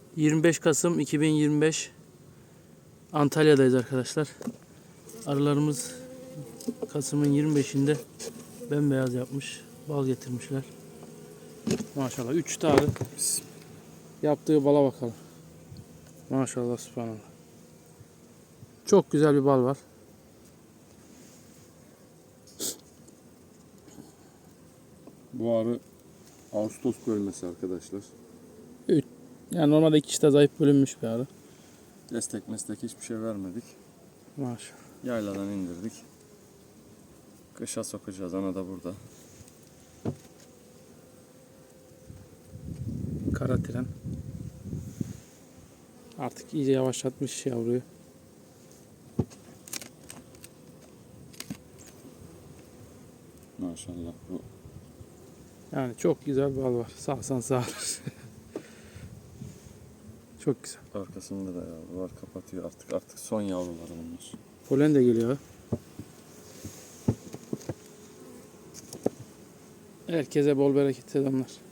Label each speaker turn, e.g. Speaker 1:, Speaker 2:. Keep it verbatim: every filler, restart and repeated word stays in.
Speaker 1: yirmi beş Kasım iki bin yirmi beş Antalya'dayız arkadaşlar. Arılarımız Kasım'ın yirmi beşinde bembeyaz yapmış. Bal getirmişler. Maşallah. üç tane. Yaptığı bala bakalım. Maşallah, subhanallah. Çok güzel bir bal var.
Speaker 2: Bu arı Ağustos bölmesi arkadaşlar.
Speaker 1: Yani normalde iki işte zayıf bölünmüş bir arı.
Speaker 2: Destek meslek hiçbir şey vermedik.
Speaker 1: Maşallah.
Speaker 2: Yayladan indirdik. Kışa sokacağız. Ana da burada.
Speaker 1: Kara tren. Artık iyice yavaşlatmış yavruyu.
Speaker 2: Maşallah bu.
Speaker 1: Yani çok güzel bir bal var. Sağsan sağlar. Çok güzel.
Speaker 2: Arkasında da yavru var. Kapatıyor artık. Artık son yavruları bunlar.
Speaker 1: Polen de geliyor. Herkese bol bereket selamlar.